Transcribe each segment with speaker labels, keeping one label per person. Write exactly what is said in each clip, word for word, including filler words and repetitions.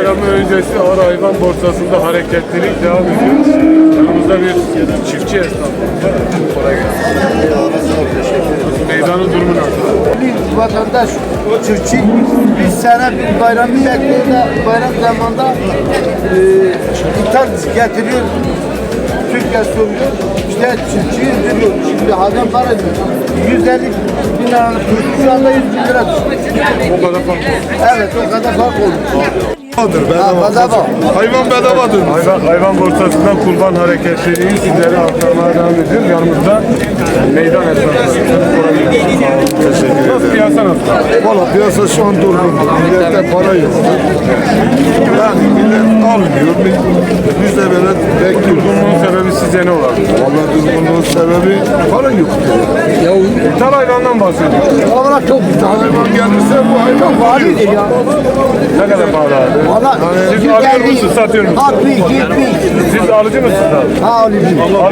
Speaker 1: bayramı öncesi ağır hayvan borsasında hareketlilik devam ediyor. Yanımızda bir çiftçi esnafımız var. Kolay gelsin. Meydanın durumu nasıl?
Speaker 2: Bir vatandaş, çiftçi bir sene bir bayramı bekliyor da bayram zamanında e, ithal getiriyor. Türkiye soruyor. İşte çiftçiyi veriyor. Şimdi adam para diyor. yüz elli bin liralık turşu şu anda yüz bin lira düşüyor.
Speaker 1: O kadar fark var.
Speaker 2: Evet, o kadar fark olur.
Speaker 1: Bedava.
Speaker 2: Bedava.
Speaker 1: Hayvan bedavadır. Hayvan, hayvan borsasından kurban hareketliliği sizlere aktarmaya devam ediyoruz. Yanımızda meydan esnafları.
Speaker 3: Teşekkür ederim.
Speaker 1: Nasıl piyasa nasıl?
Speaker 3: Valla piyasa şu an durgun. Millette para yok. Yani millet almıyor. Biz de böyle bekliyoruz.
Speaker 1: Durgunluğun sebebi sizce ne olabilir?
Speaker 3: Valla durgunluğun sebebi para yok.
Speaker 2: Ya
Speaker 1: İthal hayvandan bahsediyoruz.
Speaker 2: olarak çok
Speaker 3: Hayvan gelirse bu hayvan var.
Speaker 2: ya.
Speaker 1: Ne kadar pahalı abi?
Speaker 2: Valla
Speaker 1: Siz alıyor musunuz, satıyor musunuz?
Speaker 2: altmış, yetmiş.
Speaker 1: Siz alıcı mısınız abi?
Speaker 2: Ha alıcı.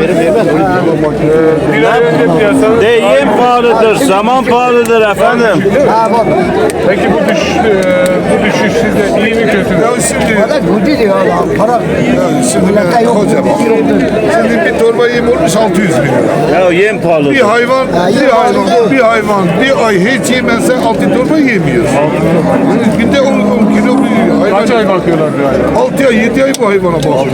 Speaker 1: Bir ay önce piyasanın...
Speaker 4: Deyim pahalıdır, zaman pahalıdır efendim.
Speaker 2: Ha bak.
Speaker 1: Peki bu düşüş, e, bu düşüş sizde iyi mi kötü mü?
Speaker 3: Ya şimdi,
Speaker 2: Valla kötü diyor Allah. Para.
Speaker 3: yani şimdi
Speaker 2: Millete yok.
Speaker 3: kocaman. Şimdi bir torba yem olmuş altı yüz bin lira.
Speaker 4: Ya yem pahalıdır.
Speaker 3: Bir hayvan, bir hayvan, bir hayvan bir ay hiç yemezse altı torba yemiyor. Günde on, on kilo bir hayvan.
Speaker 1: Kaç ay bakıyorlar bir ay?
Speaker 3: altı ay, yedi ay bu hayvana bakıyor.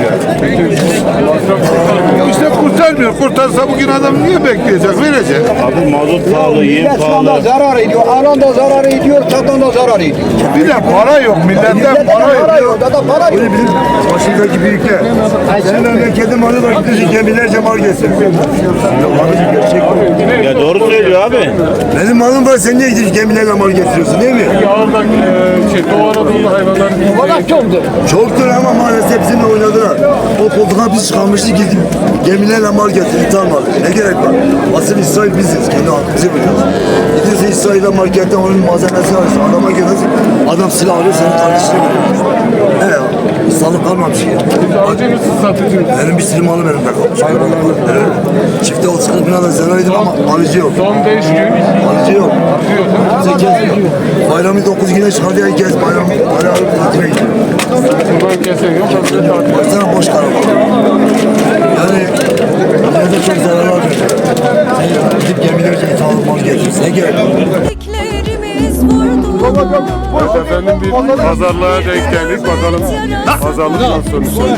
Speaker 3: İşte kurtarmıyor. Kurtarsa bugün adam niye bekleyecek? Verecek.
Speaker 4: Abi mazot pahalı, yem
Speaker 2: Millet şu anda
Speaker 4: pahalı.
Speaker 2: zarar ediyor. Alan da zarar ediyor, satan da zarar ediyor.
Speaker 3: Bir de para yok. Milletten
Speaker 2: Millete
Speaker 3: para
Speaker 2: para
Speaker 3: yok.
Speaker 2: yok. Da da para yok.
Speaker 3: Başındaki büyükler. Senin memleketin malı var. Gidiyorsun gemilerce mal getiriyor. Gerçek bu.
Speaker 4: Ya doğru söylüyor abi.
Speaker 3: Benim malım var. Sen niye gidiyorsun gemilerle mal getiriyorsun değil mi?
Speaker 1: Ağırdak, e, şey, Doğu Anadolu hayvanlar...
Speaker 2: Valla çoktur.
Speaker 3: Çoktur ama maalesef bizimle oynadılar. O koltuğa biz çıkarmıştık gidip gemilerle mal getirdik almadık. Ne gerek var? Asıl İsrail biziz. Kendi hakkımızı biliyoruz. Gidiyorsun İsrail'e marketten onun malzemesini alıyorsun. Adama geliyorsun. Adam silah alıyor senin kardeşine veriyor. He ya. Sağlık kalmamış ya.
Speaker 1: Siz alıcı mısınız, satıcı mısınız?
Speaker 3: Benim bir sürü malım elimde kalmış. Evet. Çifte o sıkıntı bin lira zararıydım ama alıcı yok.
Speaker 1: Son beş gün
Speaker 3: Alıcı yok.
Speaker 1: artıyor.
Speaker 3: Kimse gezmiyor. Bayramı dokuz güne çıkardı ya gez bayram. Bayram tatile gidiyor.
Speaker 1: Kurban kesen yok, aslında tatil.
Speaker 3: Baksana boş karama. Yani millete çok zararlar veriyor. Sen gidip gemilerce ithal mal getiriyorsun. Ne gerek var?
Speaker 5: Beklerimiz vurdu.
Speaker 1: Evet efendim, bir pazarlığa denk geldik. Bakalım pazarlık nasıl sonuçlanacak.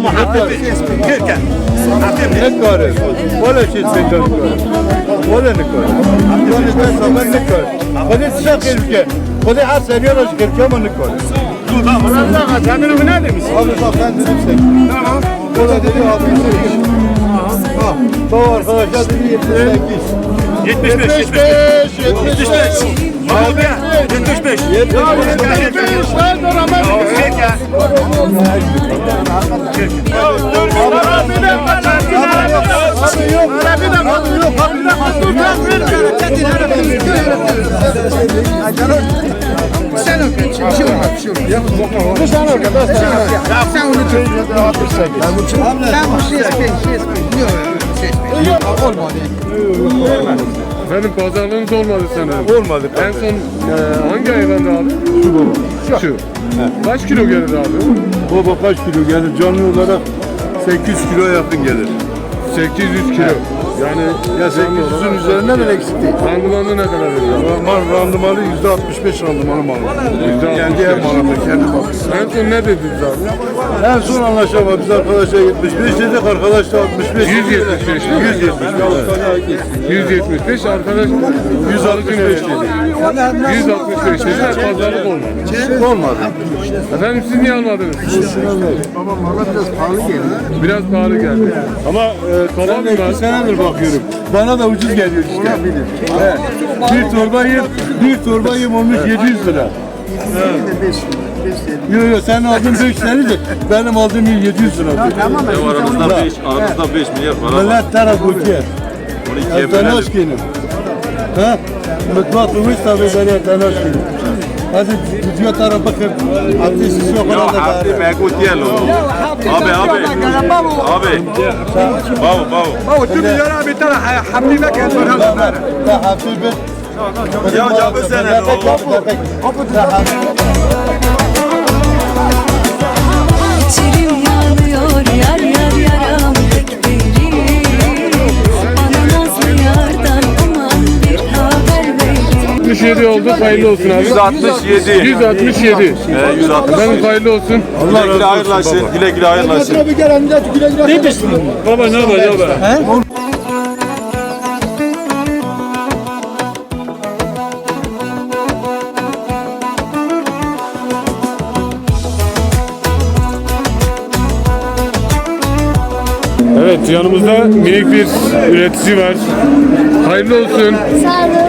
Speaker 6: نکاره ولی چیز پیدا کنه ولی نکاره ولی بس من نکاره ولی چه خیلی که ولی هر سریالش کرکه من نکاره
Speaker 1: Kendini mi ne demiş?
Speaker 6: abi bak ben dedim sen tamam o da dedi altmış sekiz ha bu arkadaşlar dedi yetmiş sekiz
Speaker 1: yetmiş beş.
Speaker 6: yetmiş beş yetmiş beş
Speaker 1: Abi yetmiş beş.
Speaker 6: yetmiş beş lan dur ama
Speaker 1: Efendim pazarlığınız olmadı sanırım.
Speaker 6: olmadı.
Speaker 1: En son e, hangi hayvandı abi? Şu baba. Şu. Kaç kilo gelir abi?
Speaker 6: Baba kaç kilo gelir? Canlı olarak sekiz yüz kilo yakın gelir.
Speaker 1: sekiz yüz kilo. Yani
Speaker 6: Ya sekiz yüzün üzerinden de eksik değil.
Speaker 1: randımanı ne kadar veriyor abi?
Speaker 6: Mal randımanı yüzde altmış beş randımanı malı.
Speaker 1: Yüzde altmış
Speaker 6: Kendi
Speaker 1: beş.
Speaker 6: ev malı, kendi bakısı.
Speaker 1: En son ne dediniz abi?
Speaker 6: En son anlaşamadık. Biz arkadaşa yetmiş beş dedik, arkadaş da altmış beş.
Speaker 1: yüz yetmiş beş değil mi?
Speaker 6: yüz yetmiş beş.
Speaker 1: yüz yetmiş beş arkadaş yüz altmış beş dedi. yüz altmış beş dedi. Pazarlık olmadı.
Speaker 6: Olmadı.
Speaker 1: Efendim siz niye almadınız?
Speaker 2: Baba valla biraz pahalı geliyor.
Speaker 1: Biraz pahalı geldi. Ama e, tamam mı?
Speaker 6: Ben iki senedir bakıyorum. Bana da ucuz geliyor işte. He. Bir torba yem, bir torba yem olmuş yedi yüz lira. Yok yok sen aldın beş senedir, benim aldığım yedi yüz lira.
Speaker 7: Aramızda beş, aramızda beş milyar para var.
Speaker 6: Millet taraf ülke.
Speaker 7: Onu ikiye
Speaker 6: Ertan
Speaker 7: bölelim.
Speaker 6: Hoşkin'im. Ha? Mutfakımız tabii ben Ertan Hoşkin'im. Hadi video tarafa bakın. Ateşsiz yok
Speaker 7: Ya
Speaker 6: orada da.
Speaker 7: hafti mekut yer lo. Abi abi. Abi. Bavu bavu.
Speaker 6: Baba tüm milyara bir tane hafti mekan var. Ha hafti bir.
Speaker 7: Ya cabı sene lo.
Speaker 5: yar yar yaram pek derin. Bana nazlı yardan aman bir haber verin.
Speaker 1: altmış yedi oldu. Hayırlı olsun abi.
Speaker 7: yüz altmış yedi.
Speaker 1: yüz altmış yedi.
Speaker 7: Ee, yüz altmış.
Speaker 1: Efendim hayırlı olsun.
Speaker 7: Güle güle hayırlaşın. Güle güle hayırlaşın.
Speaker 1: Baba ne haber ne haber? Evet, yanımızda minik bir üretici var. Hayırlı olsun.
Speaker 8: Sağ olun.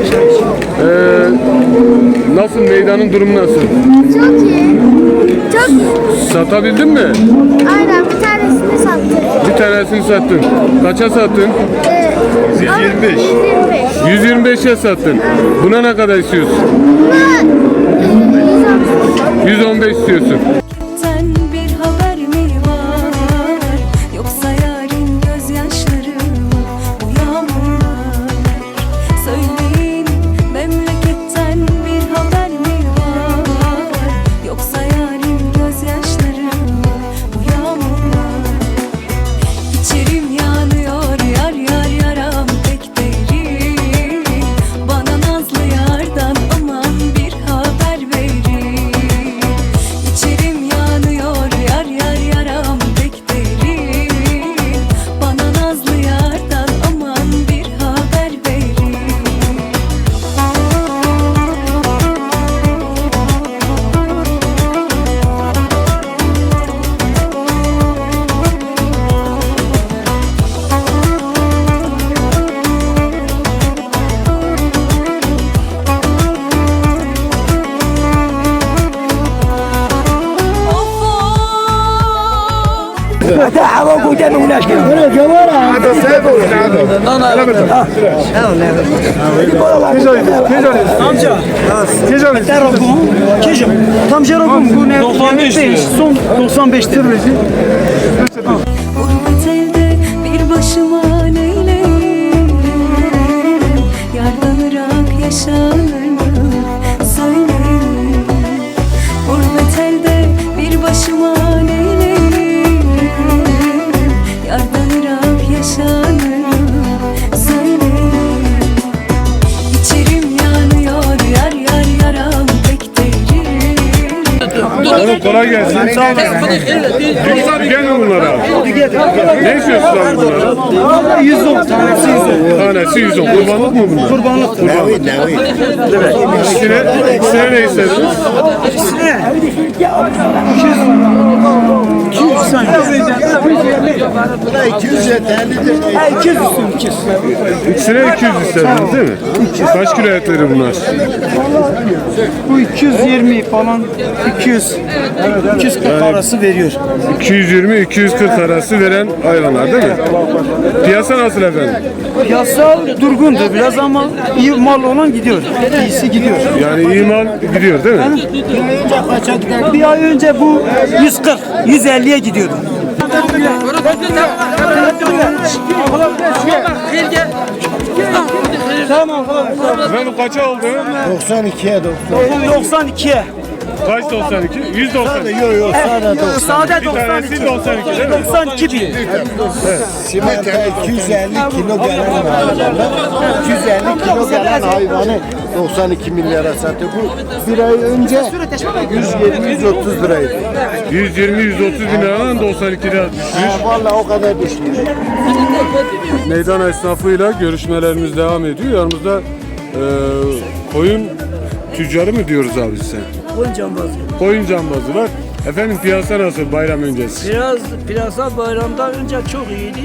Speaker 1: Ee, nasıl, meydanın durumu nasıl?
Speaker 8: Çok iyi. Çok iyi.
Speaker 1: Satabildin mi?
Speaker 8: Aynen bir tanesini sattık.
Speaker 1: Bir tanesini sattın. Kaça sattın?
Speaker 8: Ee,
Speaker 1: yüz yirmi beş.
Speaker 8: yüz yirmi beş.
Speaker 1: yüz yirmi beşe sattın. Buna ne kadar istiyorsun?
Speaker 8: Buna e, yüz altmış.
Speaker 1: yüz on beş istiyorsun.
Speaker 5: Sen bir haber mi var? Yoksa yarın gözyaşları mı? Bu yağmurlar. Söyleyin memleketten bir haber mi var? Yoksa yarın gözyaşları mı? Bu yağmurlar. İçerim yanıyor yar yar yaram pek derin. Bana nazlı yardan aman bir haber verin. İçerim yanıyor yar yar yaram pek derin. Bana nazlı yardan aman bir haber verin. Gurbet elde bir başıma neyleyim? Yardan ırak yaşanır mı? Söyleyin. Gurbet elde bir başıma neyleyim? Yardan ırak yaşanır mı? Söyleyin. İçerim yanıyor yar yar yaram pek derin.
Speaker 1: Oğlum kolay gelsin. Yoksa bir gelme bunlara. Ne istiyorsun abi bunlara?
Speaker 2: yüz on tanesi yüz on.
Speaker 1: Tanesi yüz on. Kurbanlık mı bunlar?
Speaker 2: Kurbanlık.
Speaker 1: Kurbanlık. İkisine, ikisine ne istediniz?
Speaker 2: iki yüz yeterlidir. iki yüz üstün iki yüz.
Speaker 1: İkisine iki yüz istediniz değil mi? Kaç kilo etleri bunlar?
Speaker 2: Bu iki yüz yirmi falan iki yüz iki yüz kırk arası veriyor.
Speaker 1: iki yüz yirmi iki yüz kırk arası veren hayvanlar değil mi? Piyasa nasıl efendim?
Speaker 2: Piyasa durgundur biraz ama iyi mal olan gidiyor. İyisi gidiyor.
Speaker 1: Yani iyi mal gidiyor değil mi?
Speaker 2: Bir ay önce bu yüz kırk yüz elliye gidiyordu. Tamam.
Speaker 1: Efendim kaça oldu?
Speaker 2: doksan ikiye doksan ikiye.
Speaker 1: Kaç doksan iki? yüz doksan iki.
Speaker 2: Yok yok sade doksan. Sade
Speaker 1: Bir tanesi doksan iki değil mi?
Speaker 2: doksan iki bin.
Speaker 9: Simente iki yüz elli kilo gelen hayvanlar, iki yüz elli kilo gelen hayvanı doksan iki milyara satıyor. Bu bir ay önce yüz yirmi yüz otuz liraydı.
Speaker 1: yüz yirmi yüz otuz bin liradan doksan iki lira düşmüş.
Speaker 9: Ha, vallahi o kadar düşmüş.
Speaker 1: Meydan esnafıyla görüşmelerimiz devam ediyor. Yanımızda e, koyun tüccarı mı diyoruz abi sen?
Speaker 10: Koyun cambazı.
Speaker 1: Koyun cambazı var. Efendim piyasa nasıl bayram öncesi?
Speaker 10: Biraz piyasa bayramdan önce çok iyiydi.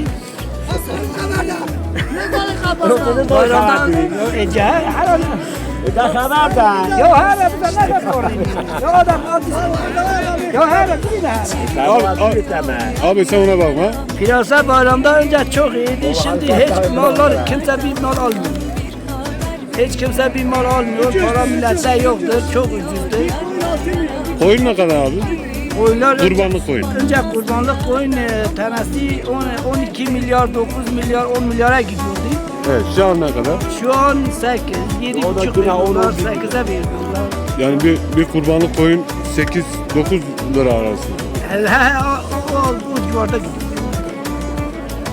Speaker 10: Bayramdan önce her an. Da haber da. Yo her an bize ne yapıyor? Yo adam Yo her an bize.
Speaker 1: Abi, abi, abi sen ona bakma.
Speaker 10: Piyasa bayramdan önce çok iyiydi. Şimdi hiç mallar kimse bir mal almıyor. Hiç kimse bir mal almıyor. Para millette yoktur. Çok ucuzdur.
Speaker 1: Koyun ne kadar abi?
Speaker 10: Koyunlar
Speaker 1: Kurbanlık koyun.
Speaker 10: önce kurbanlık koyun e, tanesi on- on iki milyar, dokuz milyar, on milyara gidiyordu.
Speaker 1: Evet şu an ne kadar?
Speaker 10: Şu an sekiz, yedi buçuk veriyorlar, sekize veriyorlar.
Speaker 1: Yani bir, bir kurbanlık koyun sekiz dokuz lira arası.
Speaker 10: He, he, o, o, o civarda gidiyor.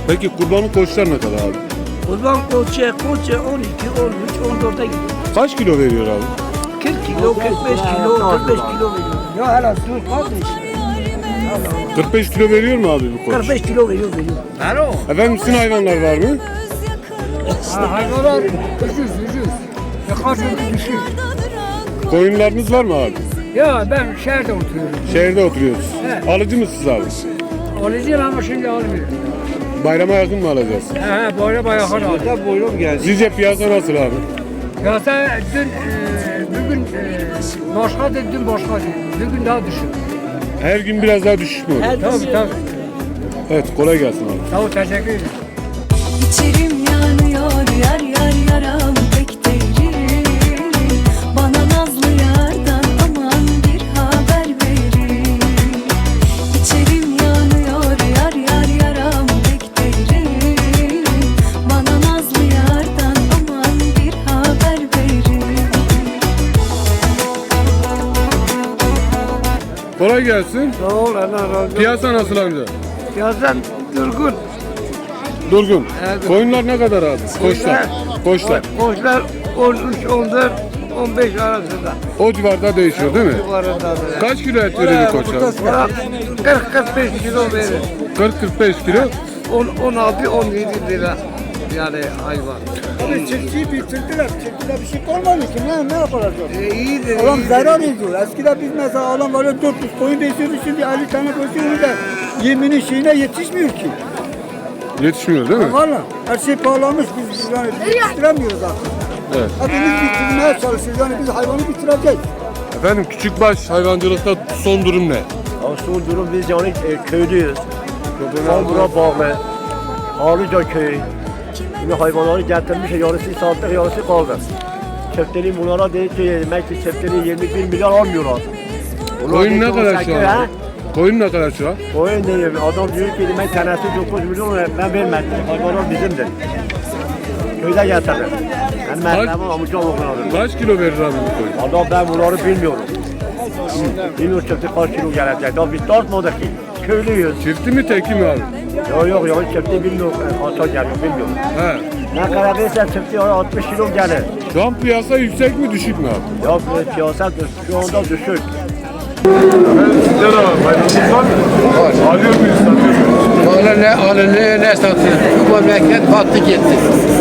Speaker 1: Peki kurbanlık koçlar ne kadar abi?
Speaker 10: Kurban koçu, koçu on iki, on üç, on dörde gidiyor.
Speaker 1: Kaç kilo veriyor abi?
Speaker 10: kırk kilo, kırk beş kilo, kırk beş kilo veriyor. Ya hele dur kardeş.
Speaker 1: kırk beş kilo veriyor mu abi bu koç?
Speaker 10: kırk beş kilo veriyor, veriyor.
Speaker 1: Efendim sizin hayvanlar var mı?
Speaker 10: Ha, hayvanlar ucuz, ucuz. Ya kaç ucuz düşüyor.
Speaker 1: Koyunlarınız var mı abi?
Speaker 10: Ya ben şehirde oturuyorum.
Speaker 1: Şehirde oturuyoruz.
Speaker 10: Evet.
Speaker 1: Alıcı mısınız abi?
Speaker 10: Alıcıyım ama şimdi almıyorum.
Speaker 1: Bayrama yakın mı alacağız?
Speaker 10: He he, böyle bayağı aldım.
Speaker 6: Buyurun gelsin.
Speaker 1: Sizce piyasa nasıl abi?
Speaker 10: Ya sen dün, e, bugün e, başkadır, dün başkadır. Bugün daha düşük.
Speaker 1: Her gün biraz daha düşüş mü oluyor?
Speaker 10: Tabii tabii.
Speaker 1: Evet, kolay gelsin abi.
Speaker 10: Sağ ol, teşekkür ederim.
Speaker 5: İçerim yanıyor yar yar yaram pek derin. Bana nazlı yardan aman bir haber verin. İçerim yanıyor yar yar yaram pek derin. Bana nazlı yardan aman bir haber verin.
Speaker 1: Kolay gelsin.
Speaker 10: Sağ ol, Allah razı olsun.
Speaker 1: Piyasa nasıl amca?
Speaker 10: Yazdan durgun.
Speaker 1: Durgun.
Speaker 10: Evet.
Speaker 1: Koyunlar ne kadar abi? Koçlar. Koçlar.
Speaker 10: Koçlar on üç, on dört, on beş arasında.
Speaker 1: O civarda değişiyor değil mi?
Speaker 10: Civarında böyle.
Speaker 1: Kaç kilo et veriyor bir koç abi?
Speaker 10: kırk kırk beş kilo verir.
Speaker 1: kırk kırk beş kilo.
Speaker 10: on on altı on yedi lira yani hayvan.
Speaker 2: Abi çiftçiyi bitirdiler. Çiftçide bir şey kalmadı ki. Ne, ne yapacağız?
Speaker 10: E, iyidir.
Speaker 2: Adam
Speaker 10: iyidir.
Speaker 2: zarar ediyor. Eskiden biz mesela adam böyle dört yüz koyun besliyordu. Şimdi elli tane besliyordu da yeminin şeyine yetişmiyor ki.
Speaker 1: Yetişmiyor değil mi?
Speaker 2: Valla her şey pahalanmış. Biz yani yetiştiremiyoruz artık.
Speaker 1: Evet.
Speaker 2: Hepimiz bitirmeye çalışıyoruz. Yani biz hayvanı bitireceğiz.
Speaker 1: Efendim küçükbaş hayvancılıkta son durum ne?
Speaker 9: Ya son durum biz yani e, köylüyüz. Sambura bağlı. Ağlıca köyü. Şimdi hayvanları getirmiş, yarısı sattık, yarısı kaldı. Çiftleri bunlara dedi ki demek ki çiftleri yirmi bir milyar almıyorlar. Bunlar
Speaker 1: Koyun
Speaker 9: dedi
Speaker 1: ne
Speaker 9: ki
Speaker 1: kadar
Speaker 9: on sekiz,
Speaker 1: şu
Speaker 9: ha?
Speaker 1: an? Koyun ne kadar şu an?
Speaker 9: Koyun diyor, adam diyor ki demek tanesi dokuz milyon ben vermedim. Hayvanlar bizimdir. Köyde getirdim. Ben merhamet amca oğlum.
Speaker 1: Kaç kilo verir abi bu koyun?
Speaker 9: Adam ben bunları bilmiyorum. Bilmiyorum çifti kaç kilo gelecek. Daha biz tartmadık ki. Köylüyüz.
Speaker 1: Çifti mi teki mi abi?
Speaker 9: Yok yok yok çifti bilmiyorum. Ata geliyor bilmiyorum.
Speaker 1: He.
Speaker 9: Ne kadar verirsen çifti altmış kilo gelir.
Speaker 1: Şu an piyasa yüksek mi düşük mü abi?
Speaker 9: Yok siyaset şu anda düşük.
Speaker 1: Efendim sizde de var. Bayramınız var mı? Var. Alıyor muyuz? Satıyor muyuz?
Speaker 11: Valla ne alınıyor ne satıyor. Bu memleket battı gitti.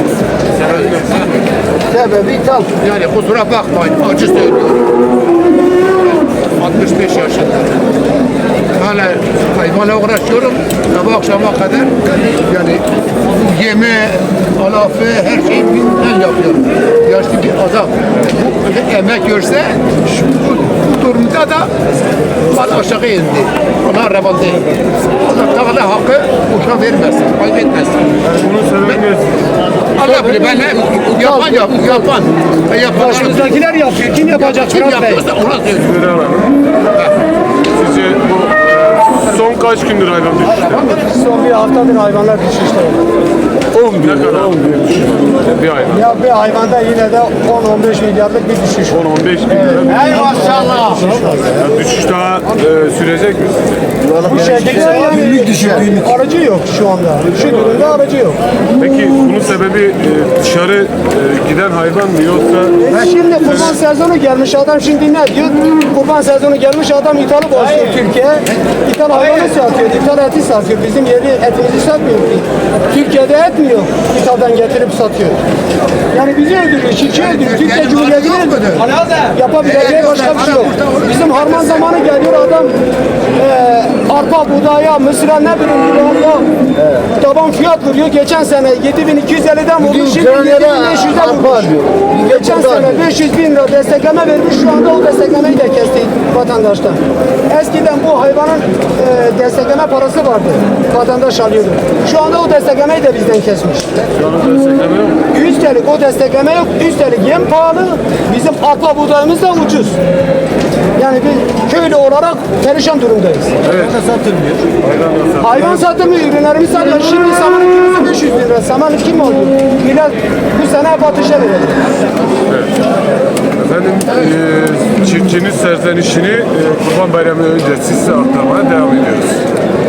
Speaker 2: Sebebi ithal.
Speaker 11: Yani kusura bakmayın acı söylüyorum. altmış beş yaşında. Hala hayvanla uğraşıyorum. Sabah akşama kadar yani yeme, alafı her şeyi ben yapıyorum. Yaşlı bir adam bu emek görse şu, bu, bu durumda da mal aşağı indi. Ona revan değil. Allah Teala hakkı boşa vermesin, kaybetmesin.
Speaker 1: Bunun sebebi ne?
Speaker 11: Allah bilir ben hep yapan yap, yapan. Yapan.
Speaker 2: Başımızdakiler yapıyor. Kim yapacak?
Speaker 11: Kim yapıyorsa ona söylüyor.
Speaker 1: Sizlere alalım. Sizce bu e, son kaç gündür hayvan düşüşte?
Speaker 2: Son bir haftadır hayvanlar düşüşte.
Speaker 1: on bin. Ne kadar? on bin düşüş. Bir hayvan.
Speaker 2: Ya bir hayvanda yine de on on beş milyarlık bir düşüş.
Speaker 1: on on beş bin lira.
Speaker 2: Ey maşallah.
Speaker 1: Ya düşüş daha e, sürecek mi?
Speaker 2: Bu şekilde yani aracı yok şu anda. Şu durumda aracı yok.
Speaker 1: Peki bunun sebebi e, dışarı e, giden hayvan mı yoksa?
Speaker 2: E şimdi kurban sezonu gelmiş adam şimdi ne diyor? Kurban sezonu gelmiş adam ithalı başlıyor Türkiye. İthal hayvanı satıyor, ithal eti satıyor. Bizim yerli etimizi satmıyor ki. Türkiye'de et mi yok? İthaldan getirip satıyor. Yani bizi öldürüyor, çiftçi öldürüyor. Türkiye Cumhuriyeti'ni öldürüyor. Yapabileceği başka bir şey yok. Bizim harman zamanı geliyor adam e, arpa, buğdaya, mısıra ne bileyim buğdaya taban fiyat vuruyor. Geçen sene yedi bin iki yüz elliden vurdu, şimdi yedi bin beş yüzden vurmuş. Geçen sene beş yüz bin lira destekleme vermiş, şu anda o desteklemeyi de kesti vatandaştan. Eskiden bu hayvanın e, destekleme parası vardı, vatandaş alıyordu. Şu anda o desteklemeyi de bizden kesmiş. Üstelik o destekleme yok, üstelik yem pahalı, bizim arpa buğdayımız da ucuz. Yani biz köylü olarak perişan durumdayız.
Speaker 1: Evet. satılmıyor. Hayvan da
Speaker 2: Hayvan satılmıyor, ürünlerimiz satılıyor. Şimdi samanın kilosu beş yüz lira. Saman kim alıyor? Millet bu sene batışa verir.
Speaker 1: Efendim e, çiftçinin serzenişini e, Kurban Bayramı öncesi size aktarmaya devam ediyoruz.